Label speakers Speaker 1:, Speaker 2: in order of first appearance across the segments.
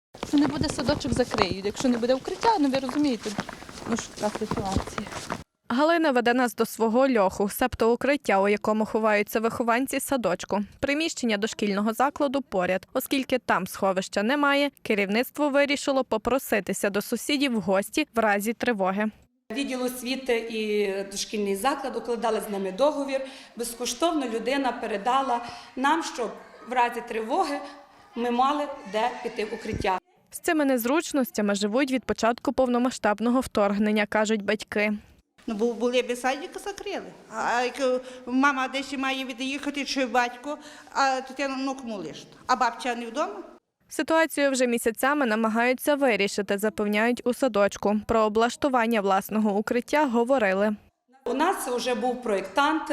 Speaker 1: Якщо не буде садочок, закриють. Якщо не буде укриття, ну ви розумієте, ну що така ситуація.
Speaker 2: Галина веде нас до свого льоху, себто укриття, у якому ховаються вихованці садочку. Приміщення дошкільного закладу поряд. Оскільки там сховища немає, керівництво вирішило попроситися до сусідів в гості в разі тривоги.
Speaker 3: Відділ освіти і дошкільний заклад укладали з нами договір. Безкоштовно людина передала нам, щоб в разі тривоги ми мали де піти в укриття.
Speaker 2: З цими незручностями живуть від початку повномасштабного вторгнення, кажуть батьки.
Speaker 4: Ну, бо були б садик закрили. А як мама десь має від'їхати, чи батько, а дитину ну кому лишити? А бабця не вдома?
Speaker 2: Ситуацію вже місяцями намагаються вирішити, запевняють у садочку. Про облаштування власного укриття говорили.
Speaker 3: У нас вже був проєктант,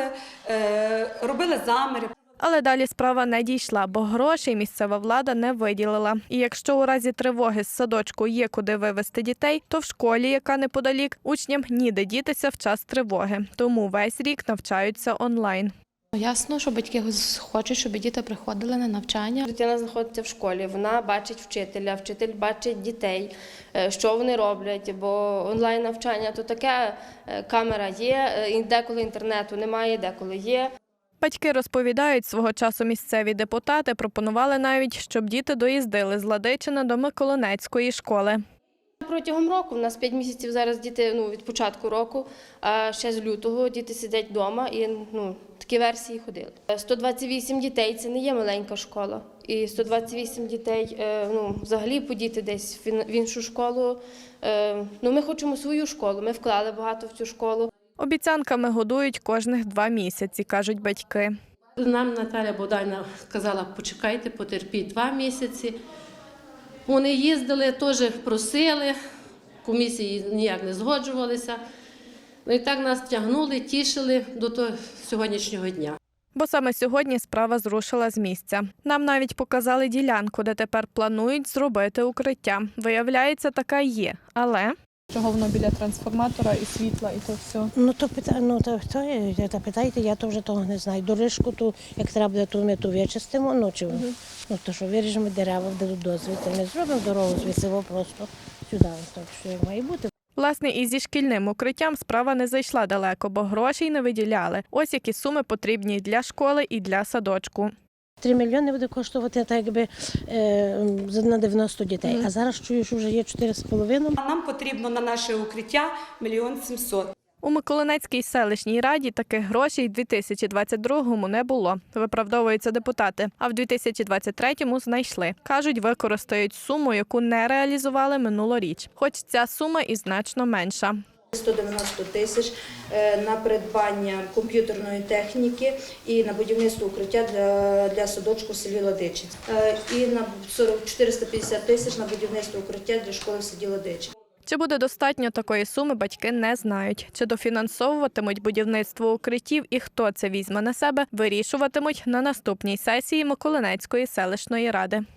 Speaker 3: робили заміри.
Speaker 2: Але далі справа не дійшла, бо грошей місцева влада не виділила. І якщо у разі тривоги з садочку є куди вивезти дітей, то в школі, яка неподалік, учням ніде дітися в час тривоги. Тому весь рік навчаються онлайн.
Speaker 5: Ясно, що батьки хочуть, щоб діти приходили на навчання.
Speaker 6: Дитина знаходиться в школі, вона бачить вчителя, вчитель бачить дітей, що вони роблять, бо онлайн-навчання то таке, камера є, деколи інтернету немає, деколи є.
Speaker 2: Батьки розповідають, свого часу місцеві депутати пропонували навіть, щоб діти доїздили з Ладичина до Миколинецької школи.
Speaker 6: Протягом року, у нас 5 місяців зараз діти від початку року, а ще з лютого діти сидять вдома і такі версії ходили. 128 дітей – це не є маленька школа. І 128 дітей взагалі подіти десь в іншу школу. Ми хочемо свою школу, ми вклали багато в цю школу.
Speaker 2: Обіцянками годують кожних 2 місяці, кажуть батьки.
Speaker 7: Нам Наталя Богданівна сказала, почекайте, потерпіть 2 місяці. Вони їздили, теж просили, комісії ніяк не згоджувалися. І так нас тягнули, тішили до того сьогоднішнього дня.
Speaker 2: Бо саме сьогодні справа зрушила з місця. Нам навіть показали ділянку, де тепер планують зробити укриття. Виявляється, така є, але...
Speaker 1: Чого воно біля трансформатора і світла, і то все.
Speaker 8: То питайте, я то вже того не знаю. Дорожку ту, як треба буде, то ми ту вичистимо, то що виріжемо дерева, дадуть дозвіл, ми зробимо дорогу звідси просто сюди, так що як має бути.
Speaker 2: Власне, і зі шкільним укриттям справа не зайшла далеко, бо грошей не виділяли. Ось які суми потрібні для школи і для садочку.
Speaker 8: 3 мільйони буде коштувати так, якби на 90 дітей, а зараз чую, що вже є 4,5.
Speaker 3: Нам потрібно на наше укриття 1 700 000.
Speaker 2: У Миколинецькій селищній раді таких грошей в 2022-му не було, виправдовуються депутати, а в 2023-му знайшли. Кажуть, використають суму, яку не реалізували минулоріч, хоч ця сума і значно менша.
Speaker 9: 190 тисяч на придбання комп'ютерної техніки і на будівництво укриття для садочку в селі Ладичин. І на 450 тисяч на будівництво укриття для школи в селі Ладичин.
Speaker 2: Чи буде достатньо такої суми, батьки не знають. Чи дофінансовуватимуть будівництво укриттів і хто це візьме на себе, вирішуватимуть на наступній сесії Миколинецької селищної ради.